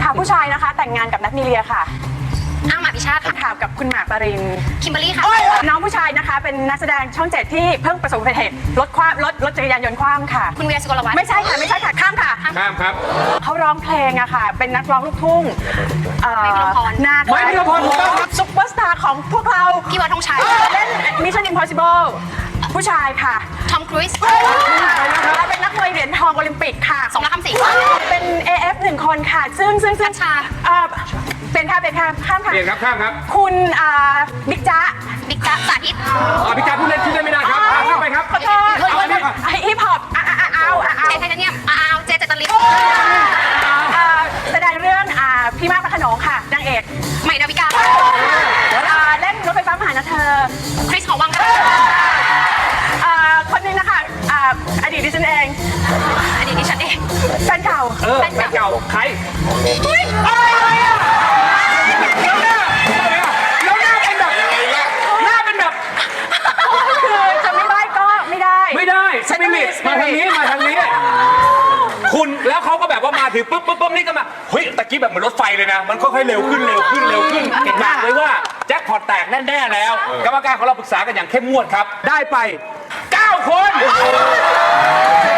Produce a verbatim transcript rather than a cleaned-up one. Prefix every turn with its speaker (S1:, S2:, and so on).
S1: ค่ะผู้ชายนะคะแต่งงานกับนัทมีเลียค่ะ
S2: อ้างหมาพิชาติค่ะ
S1: ข่าวกับคุณหมากปริน
S2: คิมเบอรรี่ค่ะ
S1: น้องผู้ชายนะคะเป็นนักแสดงช่องเจ็ดที่เพิ่งประสบอุบัติเหตุรถคว่ำรถรถจักรยานยนต์คว่ำค่ะ
S2: คุณเวียสุกลวัฒน์
S1: ไม่ใช่ค่ะไม่ใช่ค่ะข้ามค่ะ
S3: ข้ามครับ
S1: เขาร้องเพลงอะค่ะ เป็นนักร้องลูกทุ่งเอ่อ
S2: ไมค์พิรพร
S1: หน้า
S3: ไมค์พิรพรถูกต้องครับ
S1: ซุปเปอร์สตาร์ของพวกเรา
S2: พี่วัดธงชัย
S1: เล่น Mission Impossible ผู้ชายค่ะ
S2: ทอมครูซ
S1: และเป็นนักมวยเหรียญทองโอลิมปิกค่ะ
S2: สมรักคำสิง
S1: เป็น เอ เอฟ หนึ่งคนค่ะ ซึ่งซึ่งซึ่ง
S2: กัญชา
S1: เอ่อเป็นค่ะเป็นค่ะข้ามค่ะ
S3: เปลี่ยนครับข้ามครับ
S1: คุณอ่าบิ๊กจ๊ะ
S2: บิ๊กจ๊ะสาธิต
S3: อ่าพี่การพูดเล่นชื่อได้ไม่ได้ครับอ่าข้ามไปครับ
S1: ขอโทษ
S3: เอาอันนี้
S1: ฮิปฮอปอ่ะอ่ะอ่ะเอาอ่ะเอา
S2: เจไทเทเนียมอ้าวเจเจตลิน
S1: อ่าแสดงเรื่องอ่าพี่มากพระโขนงค่ะนางเอก
S2: ใหม่ดาวิกา
S1: อ่าเล่นรถไฟฟ้ามาหานะเธอ
S2: คริสหอวังค่ะ
S1: อ่าคนนึงนะคะอ่าอดีตดิฉันเอง
S2: อดีตดิฉันเอง
S1: แฟนเก่า
S3: เออแฟนเก่าใคร
S1: เฮ้ย
S3: อะไรอ่ะแล้วหน้าแล้วหน้าเป็นแบบหน้าเป็นแบบ
S1: คือจะไม่ได้ก็ไม่ได้
S3: ไม่ได้สปิริตมาทางนี้มาทางนี้ คุณแล้วเขาก็แบบว่ามาถึงปุ๊บปุ๊บปุ๊บนี่ก็มาเฮ้ยตะกี้แบบเหมือนรถไฟเลยนะ มันค่อยๆเร็วขึ้นเร็วขึ้นเร็วขึ้นเก่งมากเลยว่าแจ็คพอตแตกแน่ๆแล้ว กรรมการของเราปรึกษากันอย่างเข้มงวดครับ ได้ไปเก้าคน